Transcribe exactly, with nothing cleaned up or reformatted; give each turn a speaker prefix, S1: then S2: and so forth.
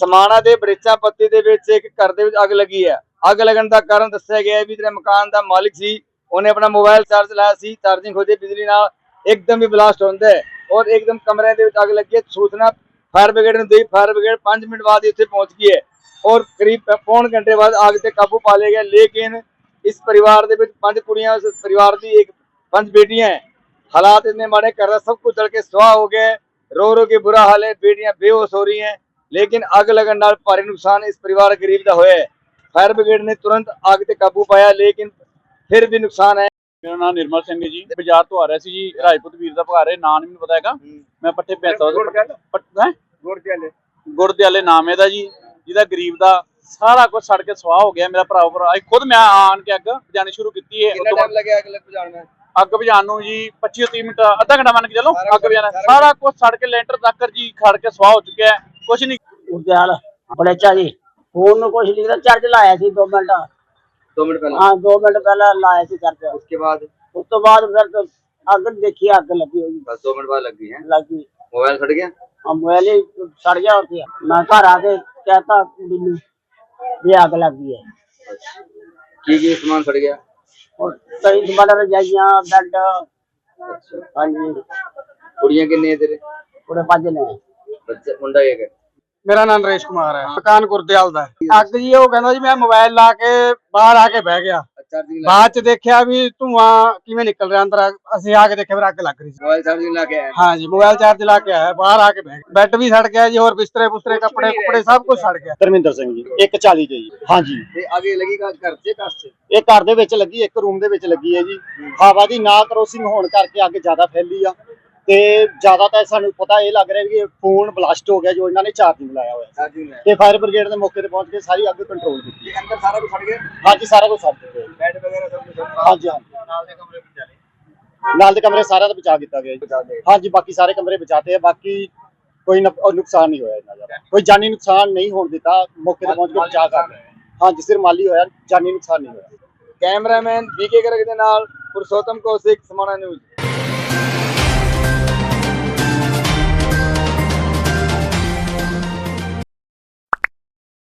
S1: समाणा ਦੇ ਬੜੇਚਾ ਪੱਤੀ ਦੇ ਵਿੱਚ ਇੱਕ ਘਰ ਦੇ ਵਿੱਚ ਅੱਗ ਲੱਗੀ ਹੈ। ਅੱਗ ਲੱਗਣ ਦਾ ਕਾਰਨ ਦੱਸਿਆ ਗਿਆ ਹੈ ਵੀ ਜਿਹੜਾ ਮਕਾਨ ਦਾ ਮਾਲਿਕ ਸੀ ਉਹਨੇ ਆਪਣਾ ਮੋਬਾਈਲ ਚਾਰਜ ਲਾਇਆ ਸੀ, ਚਾਰजिंग ਹੋ ਜੇ ਬਿਜਲੀ ਨਾਲ एकदम ही ब्लास्ट होता है और एकदम कमरे ਦੇ ਵਿੱਚ ਅੱਗ ਲੱਗੀ। सूचना फायर ब्रिगेड ने दी। फायर ब्रिगेड पांच मिनट बाद इतने पहुंच गई है और करीब पौन घंटे बाद आग से काबू पा लिया गया। लेकिन इस परिवार ਦੇ ਵਿੱਚ पांच कुड़ियां उस परिवार की एक पांच बेटियां हैं। हालात इतने माड़े कर रहा, सब कुछ जल के सुहा हो गया। रो रो के बुरा हाल है, बेटियां बेहोश हो रही हैं। लेकिन अग लगन नाल भारी नुकसान इस परिवार गरीब का होया है। फायर ब्रिगेड ने तुरंत आग से काबू पाया लेकिन फिर भी नुकसान है।
S2: मेरा नाम निर्मल सिंह है जी। बाजार तो आ रहा सी जी, राजपूत वीर का घर है, नाम नहीं पता है। मैं पट्ठे पैसा गुरदयाले नाम है जी, जिहदा गरीब का सारा कुछ सड़ के सुहा हो गया। मेरा भरा भरा खुद मैं आन के अग बुझानी शुरू की है। अग बुझाने जी पच्ची तीह मिनट अद्धा घंटा मान के चलो। अग बुझाना सारा कुछ सड़ के लेंटर तक जी खड़ के सुहा हो चुका है। कुछ नहीं
S3: गुरदयाल बड़ेचा जी फोन कुछ नहीं था, चार्ज लाया सी दो मिनट
S1: दो मिनट पहले
S3: हाँ दो मिनट पहले लाया सी चार्ज।
S1: उसके बाद
S3: उस तो बाद फिर तो अग देखी अग लगी होगी,
S1: बस दो मिनट बाद लगी है।
S3: लगी
S1: मोबाइल सड़ गया।
S3: हाँ मोबाइल ही सड़ गया होती है। मैं घर आके कहता कुड़ी नूं भी अग लगी है।
S1: की की सामान सड़ गया
S3: और कई सामान रजाइयां बेड। हाँ जी
S1: कुड़ियां कितनी है तेरे?
S3: पूरे पांच ने
S1: बच्चा मुंडा एक है।
S4: मेरा नाम नरेश कुमार है, मकान गुरदयाल दा है। अग जी ਉਹ ਕਹਿੰਦਾ ਜੀ ਮੈਂ ਮੋਬਾਈਲ ਲਾ ਕੇ ਬਾਹਰ ਆ ਕੇ ਬਹਿ ਗਿਆ। ਬਾਅਦ ਚ ਦੇਖਿਆ ਵੀ ਧੂਆਂ ਕਿਵੇਂ ਨਿਕਲ ਰਿਹਾ ਅੰਦਰ। ਅਸੀਂ ਆ ਕੇ ਦੇਖਿਆ ਫਿਰ ਅੱਗ ਲੱਗ ਰਹੀ ਸੀ।
S1: मोबाइल चार्जिंग ला के आया।
S4: हाँ जी मोबाइल चार्ज ला के आया, बाहर आके बह गया। बेड भी सड़ गया जी और बिस्तरे बुस्तरे कपड़े कुपड़े सब कुछ सड़ गया।
S5: ਧਰਮਿੰਦਰ ਸਿੰਘ ਜੀ ਇੱਕ ਚਾਲੀ ਦੇ ਜੀ। ਹਾਂਜੀ
S1: ਤੇ ਅੱਗੇ ਲੱਗੀ ਘਰ ਤੇ ਕਸ ਤੇ
S5: ਇਹ ਘਰ ਦੇ ਵਿੱਚ ਲੱਗੀ, ਇੱਕ ਰੂਮ ਦੇ ਵਿੱਚ ਲੱਗੀ ਹੈ ਜੀ। ਹਵਾ ਦੀ ਨਾ ਕਰੋਸਿੰਗ ਹੋਣ ਕਰਕੇ ਅੱਗ ਜ਼ਿਆਦਾ ਫੈਲੀ ਆ ਤੇ ਜ਼ਿਆਦਾ ਤਾਂ ਸਾਨੂੰ ਪਤਾ ਇਹ ਲੱਗ ਰਿਹਾ ਕਿ ਫੋਨ ਬਲਾਸਟ ਹੋ ਗਿਆ ਜੋ ਇਹਨਾਂ ਨੇ ਚਾਰजिंग ਲਾਇਆ ਹੋਇਆ
S1: चार्जिंग है।
S5: ਤੇ ਫਾਇਰ ਬ੍ਰਿਗੇਡ ਦੇ ਮੌਕੇ ਤੇ ਪਹੁੰਚ ਕੇ ਸਾਰੀ ਅੱਗ ਕੰਟਰੋਲ ਕੀਤੀ।
S1: ये अंदर सारा कुछ सड़ गया।
S5: ਹਾਂਜੀ ਸਾਰਾ ਕੁਝ ਸੜ ਚੁੱਕਿਆ ਜੀ।
S1: बेड वगैरह सब कुछ
S5: ਹਾਂਜੀ ਹਾਂਜੀ
S1: नाल दे कमरे में चले।
S5: ਨਾਲ ਦੇ ਕਮਰੇ ਸਾਰਿਆਂ ਦਾ ਬਚਾ ਕੀਤਾ ਗਿਆ ਜੀ। ਹਾਂਜੀ ਬਾਕੀ ਸਾਰੇ ਕਮਰੇ ਬਚਾਤੇ ਆ। ਬਾਕੀ ਕੋਈ ਨੁਕ- ਨੁਕਸਾਨ ਨਹੀਂ ਹੋਇਆ ਇਹਨਾਂ ਦਾ, ਕੋਈ ਜਾਨੀ ਨੁਕਸਾਨ ਨਹੀਂ ਹੋਣ ਦਿੱਤਾ। ਮੌਕੇ ਤੇ ਪਹੁੰਚ ਕੇ ਬਚਾ ਕਰ ਰਹੇ ਹਾਂਜੀ ਸਿਰ ਮਾਲੀ ਹੋਇਆ, ਜਾਨੀ ਨੁਕਸਾਨ ਨਹੀਂ ਹੋਇਆ।
S1: कैमरामैन बीके गर्ग दे नाल पुरुषोत्तम कौशिक समाणा न्यूज़।